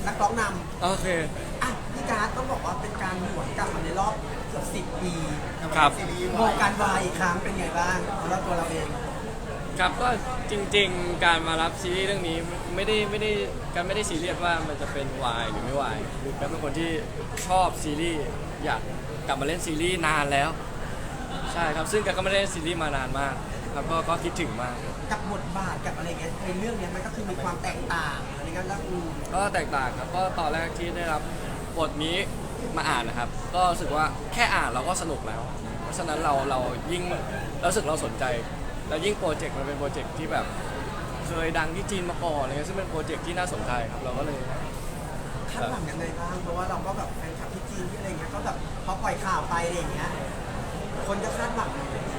นักร้องนโอเคำอ่ะพี่การ์ดต้องบอกว่าเป็นการหวนกลับมาในรอบเกือบ10 ปีครับวงการวายอีกครั้งเป็นไงบ้างสำหรับตัวเราเองครับก็จริงๆการมารับซีรีส์เรื่องนี้ไม่ได้ซีเรียสว่ามันจะเป็นวายหรือไม่วายคือการเป็นคนที่ชอบซีรีส์อยากกลับมาเล่นซีรีส์นานแล้วใช่ครับซึ่งการก็ไม่ได้เล่นซีรีส์มานานมากครับก็คิดถึงมากกับบทบาทกับอะไรเงี้ยในเรื่องเนี้ยมันก็คือมีความแตกต่างอะไรกันแล้วก็แตกต่างครับก็ตอนแรกที่ได้รับบทนี้มาอ่านนะครับก็รู้สึกว่าแค่อ่านเราก็สนุกแล้วเพราะฉะนั้นเรายิ่งรู้สึกเราสนใจแล้วยิ่งโปรเจกต์มันเป็นโปรเจกต์ที่แบบเคยดังที่จีนมาก่อนอะไรเงี้ยซึ่งเป็นโปรเจกต์ที่น่าสนใจครับเราก็เลยคาดหวังยังไงบ้างเพราะว่าเราก็แบบแฟนคลับที่จีนที่อะไรเงี้ยก็แบบพอปล่อยข่าวไปอะไรอย่างเงี้ยคนจะคาดหวัง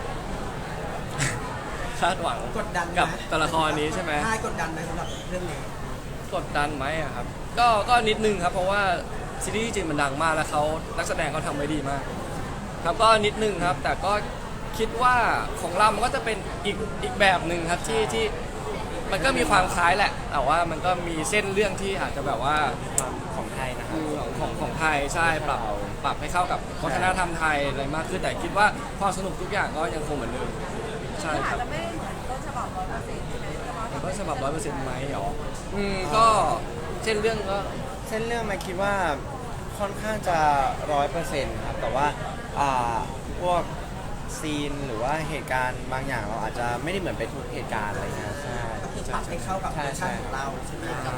คาดหวังกดดันกับตัวละครนี้ใช่ไหมใช่กดดันไหมสำหรับเรื่องนี้กดดันไหมอะครับก็นิดนึงครับเพราะว่าซีรีส์จีนมันดังมากแล้วเขานักแสดงเขาทำไว้ดีมากครับก็นิดนึงครับแต่ก็คิดว่าของเรามันก็จะเป็นอีกแบบหนึ่งครับที่มันก็มีความคล้ายแหละแต่ว่ามันก็มีเส้นเรื่องที่อาจจะแบบว่าของไทยนะครับของไทยใช่ปรับให้เข้ากับวัฒนธรรมไทยอะไรมากขึ้นแต่คิดว่าความสนุกทุกอย่างก็ยังคงเหมือนเดิมใช่ครับอาจจะไม่ได้เหมือนต้นฉบับ100%ใช่ไหมต้นฉบับ100%ไหมหรอก็เส้นเรื่องก็เส้นเรื่องมาคิดว่าค่อนข้างจะ100%ครับแต่ว่าพวกซีนหรือว่าเหตุการณ์บางอย่างเราอาจจะไม่ได้เหมือนไปทุกเหตุการณ์อะไรเงี้ยใช่ก็คือปรับให้เข้ากับเวอร์ชันของเราใช่ไหมครับ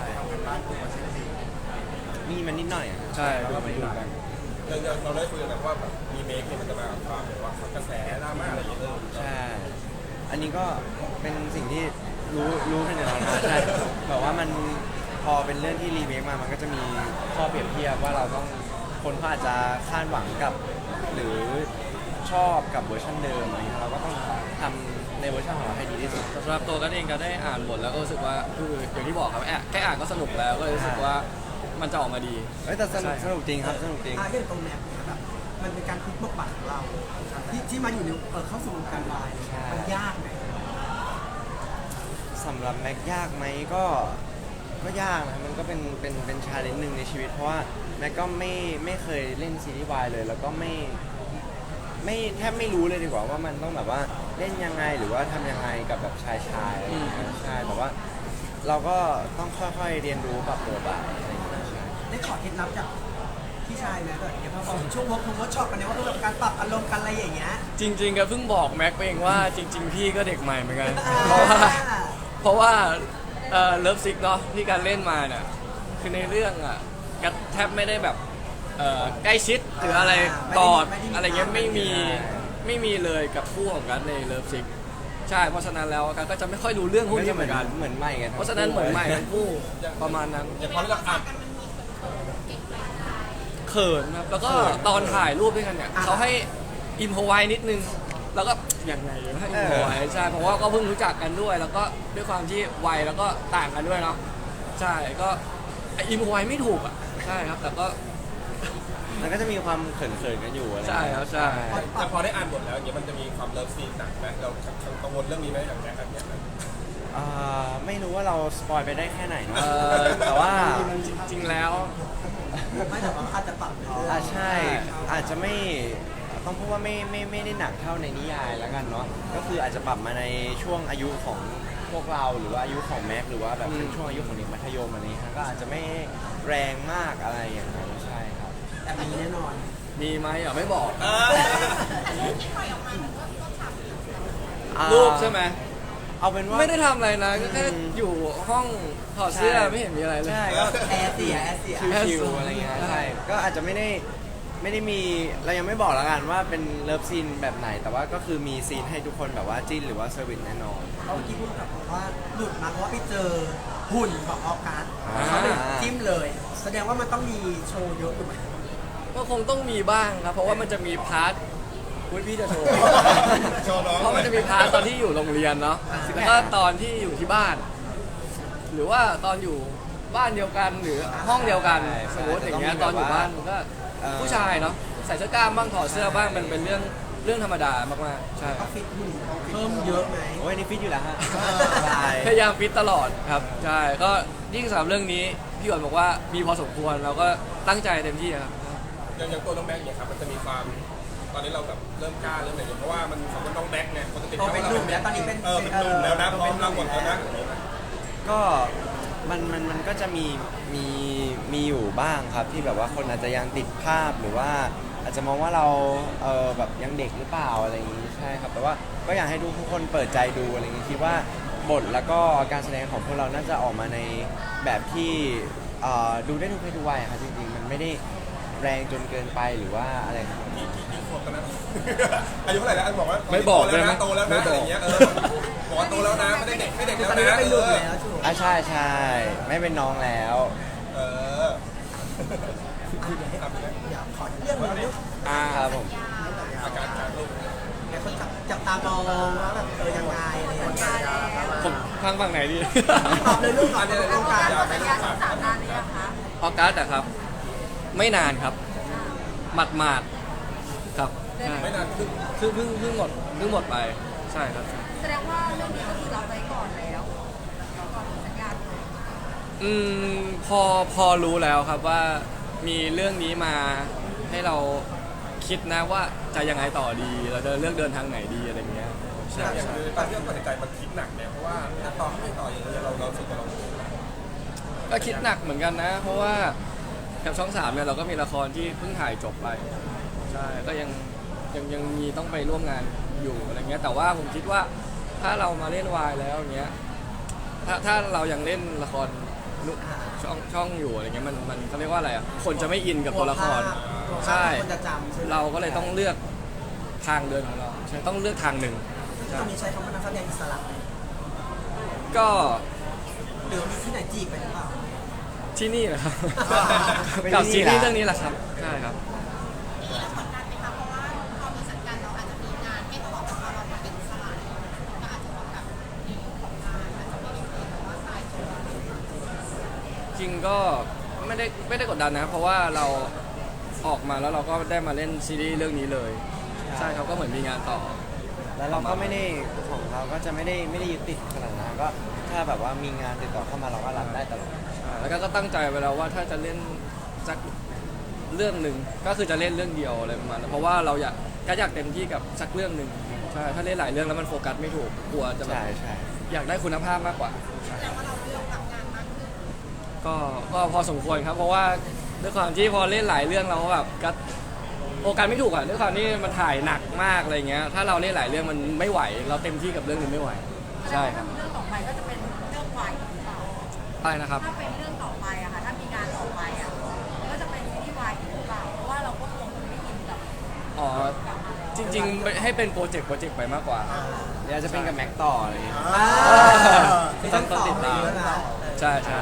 มีมันนิดหน่อยใช่ก็ไปดูกันเราได้คุยกันว่าแบบมีเมคเนี่ยมันจะมาความแบบว่ากระแสดราม่าอะไรอย่างเงี้ยใช่อันนี้ก็เป็นสิ่งที่รู้กันอยู่แล้วนะใช่แบบว่ามันพอเป็นเรื่องที่รีเมคมามันก็จะมีข้อเปรียบเทียบว่าเราต้องคนเขาอาจจะคาดหวังกับหรือชอบกับเวอร์ชันเดิมอะไรเงี้ยเราก็ต้องทำในเวอร์ชันของเราให้ดีที่สุดสำหรับตัวกันเองก็ได้อ่านบทแล้วก็รู้สึกว่าคืออย่างที่บอกครับแค่อ่านก็สนุกแล้วก็รู้สึกว่ามันจะออกมาดีแต่สนุกจริงครับสนุกจริงเรื่องตรงแนวแบบมันเป็นการพลิกบทบาทของเราที่มาอยู่ในเข้าสู่วงการวายมันยากไหมสำหรับแม็กยากไหมก็ยากนะมันก็เป็นชาเลนจ์หนึ่งในชีวิตเพราะว่าแม็กก็ไม่เคยเล่นซีรีส์วายเลยแล้วก็แทบไม่รู้เลยดีกว่าว่ามันต้องแบบว่าเล่นยังไงหรือว่าทำยังไงกับแบบชายใช่แต่ว่าเราก็ต้องค่อยๆเรียนรู้ปรับตัวไปอะไรอย่างเงี้ยได้ขอเคล็ดลับจากพี่ชายไหมแบบพอช่วงเวิร์กช็อปกันเนี่ยว่าแบบการปรับอารมณ์กันอะไรอย่างเงี้ยจริงๆก็เพิ่งบอกแม็กไปเองว่าจริงๆพี่ก็เด็กใหม่เหมือนกันเพราะว่าเลิฟซิกเนาะที่การเล่นมาเนี่ยคือในเรื่องอ่ะก็แทบไม่ได้แบบใกล้ชิดหรืออะไรกอดอะไรเงี้ยไม่มีเลยกับคู่ของกันในเลิฟซิกใช่เพราะฉะนั้นแล้วกันก็จะไม่ค่อยรู้เรื่องพวกนี้เหมือนกันใหม่กันเพราะฉะนั้นเหมือนใหม่ทั้งคู่ประมาณนั้นอย่างพอเราอ่านเขินครับแล้วก็ตอนถ่ายรูปด้วยกันเนี่ยเขาให้อิมพอไว้นิดนึงแล้วก็ยังไงให้อิมพอไว้ใช่เพราะว่าก็เพิ่งรู้จักกันด้วยแล้วก็ด้วยความที่วัยแล้วก็ต่างกันด้วยเนาะใช่ก็อิมพอไว้ไม่ถูกอ่ะใช่ครับแต่ก็มันก็จะมีความเขินๆกันอยู่อะไรใช่ครับใช่แต่พอได้อ่านบทแล้วอย่างเงี้ยมันจะมีความเลิฟซีนหนักไหมเรากังวลเรื่องนี้ไหมอย่างแรกเนี่ยไม่รู้ว่าเราสปอยไปได้แค่ไหนนะแต่ว่าจริงๆแล้วไม่แต่ว่าอาจจะปรับใช่อาจจะไม่ต้องพูดว่าไม่ได้หนักเท่าในนิยายแล้วกันเนาะก็คืออาจจะปรับมาในช่วงอายุของพวกเราหรือว่าอายุของแม็กหรือว่าแบบเป็นช่วงอายุของเด็กมัธยมอะไรนี้ก็อาจจะไม่แรงมากอะไรอย่างนั้นใช่ครับแต่มีแน่นอนมีไหมอย่าไม่บอกรูปใช่ไหมเอาเป็นว่าไม่ได้ทำอะไรนะก็แค่อยู่ห้องถอดเสื้อไม่เห็นมีอะไรเลยใช่ก็แอร์เสียชิวๆอะไรเงี้ยใช่ก็อาจจะไม่ได้มีเรายังไม่บอกแล้วกันว่าเป็นเลิฟซีนแบบไหนแต่ว่าก็คือมีซีนให้ทุกคนแบบว่าจิ้นหรือว่าเซอร์วิสแน่นอนเขาที่พูดกับบอกว่าหลุดมาเพราะว่าไปเจอหุ่นของออกัสเขาเลยจิ้มเลยแสดงว่ามันต้องมีโชว์เยอะถูกไหมก็คงต้องมีบ้างครับเพราะว่ามันจะมีพาร์ทพี่จะโชว์เพราะมันจะมีพาร์ทตอนที่อยู่โรงเรียนเนาะแล้วก็ตอนที่อยู่ที่บ้านหรือว่าตอนอยู่บ้านเดียวกันหรือห้องเดียวกันสมมติอย่างเงี้ยตอนอยู่บ้านมันก็ผู้ชายเนาะใส่เสื้อกล้ามบ้างถอดเสื้อบ้างมันเป็นเรื่องเรื่องธรรมดามากๆใช่คต้อรังบฟิตหุ่นเพิ่มเยอะไหมโอ้ยนี่ฟิตอยู่แล้วฮะสบายพยายามฟิตตลอดครับใช่ก็ยิ่งสำหรับเรื่องนี้พี่หวนบอกว่ามีพอสมควรเราก็ตั้งใจเต็มที่ครับอย่างตัวน้องแบ็คเนี่ยครับมันจะมีความตอนนี้เราแบบเริ่มกล้าเริ่มอะไรอย่างเงี้ยเพราะว่ามันสมมติน้องแบ็คเนี่ยคนจะติดโตเป็นหนุ่มแล้วตอนนี้เป็นเป็นหนุ่มแล้วนะพร้อมรับหมดแล้วนะก็มันก็จะมีอยู่บ้างครับที่แบบว่าคนอาจจะยังติดภาพหรือว่าอาจจะมองว่าเราแบบยังเด็กหรือเปล่าอะไรอย่างนี้ใช่ครับแต่ว่าก็อยากให้ทุกคนเปิดใจดูอะไรอย่างนี้คิดว่าบทแล้วก็การแสดงของพวกเราน่าจะออกมาในแบบที่ดูได้ทุกเพศทุกวัยครับจริงๆมันไม่ได้แรงจนเกินไปหรือว่าอะไรครับกี่ขวบกันนะอายุเท่าไหร่แล้วอันบอกว่าไม่บอกโตแล้วได้ไหมนะโตแล้วไม่นะบอะอกไรอย่างเงี้ยบอกว่าโตแล้วนะไม่ได้เด็กไม่เด็กคือแล้วตอนนี้นะเป็นหนุ่มแล้วชูใช่ไม่เป็นน้องแล้วเอออยากขอเรื่องหนึงลูกครับผมอาการลูกหลายคนจับตามองว่าแบบยังไงอะไรอย่างเงี้ยผมฝั่งไหนดีตอบเลยลูกตอบเลยลูกการเราสัญญา13 นานหรือยังคะออกัสอะครับ ไม่นานครับหมาดๆครับใช่ไม่นานขึ้นเพิ่งหมดไปใช่ครับแสดงว่าเรื่องนี้ก็คือรับไว้ก่อนแล้วก่อนสัญญาอืมพอรู้แล้วครับว่ามีเรื่องนี้มาให้เราคิดนะว่าจะยังไงต่อดีเราจะเลือกเดินทางไหนดีอะไรเงี้ยใช่อย่างใช่คือตอนที่เราตัดสินใจมันคิดหนักเนี่ยเพราะว่าต่อไม่ต่ออย่างเงี้ยเราสึกว่าเราก็คิดหนักเหมือนกันนะ เพราะว่ากับช่อง 3เนี่ยเราก็มีละครที่เพิ่งถ่ายจบไปใช่ก็ยังมีต้องไปร่วมงานอยู่อะไรเงี้ยแต่ว่าผมคิดว่าถ้าเรามาเล่นวายแล้วอย่างเงี้ยถ้าเรายังเล่นละครช่องอยู่อะไรเงี้ยมันเขาเรียกว่าอะไรอ่ะคนจะไม่อินกับตัวละครใช่คนจะจำใช่ไหมเราก็เลยต้องเลือกทางเดินของเราใช่ต้องเลือกทางหนึ่งตอนนี้ใช้คำว่านักแสดงอิสระก็หรือมีที่ไหนจีบไปหรือเปล่าที่นี่แหละครับเป็นกับที่ซีนี่รีส์เหรอเรื่องนี้แหละครับใช่ครับกดดันไหมคะเพราะว่าพอมีสัญญาเราอาจจะมีงานให้ต้องออกมาเราเป็นอิสระก็อาจจะต้องแบบในเรื่องของงานอาจจะไม่ได้เป็นแบบว่าสายตัวจริงก็ไม่ได้กดดันนะเพราะว่าเราออกมาแล้วเราก็ได้มาเล่นซีรีส์เรื่องนี้เลยใช่ครับก็เหมือนมีงานต่อแล้วเราก็ไม่ได้ของเราก็จะไม่ได้ยึดติดขนาดนั้นก็ถ้าแบบว่ามีงานติดต่อเข้ามาเราก็รับได้ตลอดแล้วก็ตั้งใจไว้แล้วว่าถ้าจะเล่นสักเรื่องหนึ่งก็คือจะเล่นเรื่องเดียวอะไรประมาณนั้นเพราะว่าเราอยากเต็มที่กับสักเรื่องหนึ่งใช่ถ้าเล่นหลายเรื่องแล้วมันโฟกัสไม่ถูกกลัวจะแบบใช่อยากได้คุณภาพมากกว่าแต่ว่าเราเลือกรับงานมากขึ้นก็พอสมควรครับ เพราะว่าด้วยความที่พอเล่นหลายเรื่องเราก็แบบก็โฟกัสไม่ถูกอ่ะด้วยความที่มันถ่ายหนักมากอะไรเงี้ยถ้าเราเล่นหลายเรื่องมันไม่ไหว เราเต็มที่กับเรื่องนึงไม่ไหวใช่ครับเรื่องต่อไปก็จะเป็นเรื่องวายหรือเปล่าอะไรนะครับถ้าเป็นเรื่องต่อไปอะค่ะถ้ามีงานต่อไปอะก็จะเป็นซีรีส์วายหรือเปล่าเพราะว่าเราก็คงไม่อินกับอ๋อจริงๆให้เป็นโปรเจกต์ไปมากกว่าเดี๋ยวจะเป็นกับแม็กต่ออะไรอย่างเงี้ยต้องติดตาม ใช่ใช่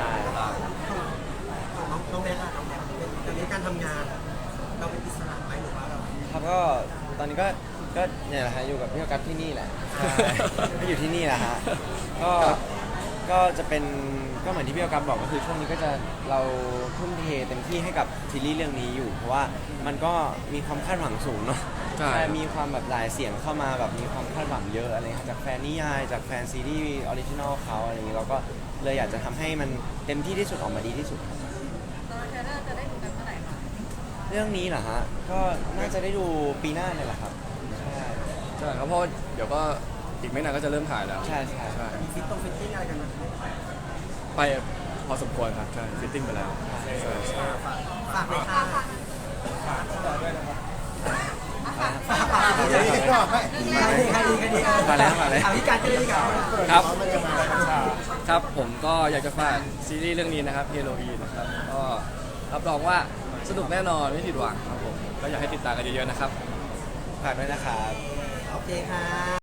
น้องแม็กซ์อะน้องแม็กซ์ตอนนี้การทำงานอะเราเป็นอิสระไหมหรือว่าเราครับก็ตอนนี้ก็เนี่ยแหละฮะอยู่กับพี่ออกัสที่นี่แหละก็อยู่ที่นี่แหละฮะก็จะเป็นก็เหมือนที่พี่ออกัสบอกก็คือช่วงนี้ก็จะเราทุ่มเทเต็มที่ให้กับซีรีส์เรื่องนี้อยู่ เพราะว่ามันก็มีความคาดหวังสูงเนาะใช่มีความแบบหลายเสียงเข้ามาแบบมีความคาดหวังเยอะอะไรครับจากแฟนนิยายจากแฟนซีรีส์ออริจินอลเขาอะไรอย่างนี้เราก็เลยอยากจะทำให้มันเต็มที่ที่สุดออกมาดีที่สุดครับตอนเทรลเลอร์จะได้ดูกันเมื่อไหร่คะเรื่องนี้เหรอฮะก็น่าจะได้ดูปีหน้าเนี่ยแหละครับใช่ใช่ครับเพราะเดี๋ยวก็อีกไม่นานก็จะเริ่มถ่ายแล้วใช่มีฟิตติ้งอะไรกันไหมไปพอสมควรครับใช่ฟิตติ้งไปแล้วใช่ใช่ฝากเลยค่ะฝากดีดีฝากเลยพี่การก็เลยดีกว่าครับครับผมก็อยากจะฝากซีรีส์เรื่องนี้นะครับเฮโรอีนนะครับก็รับรองว่าสนุกแน่นอนไม่ผิดหวังครับผมก็อยากให้ติดตามกันเยอะๆนะครับฝากด้วยนะครับโอเคค่ะ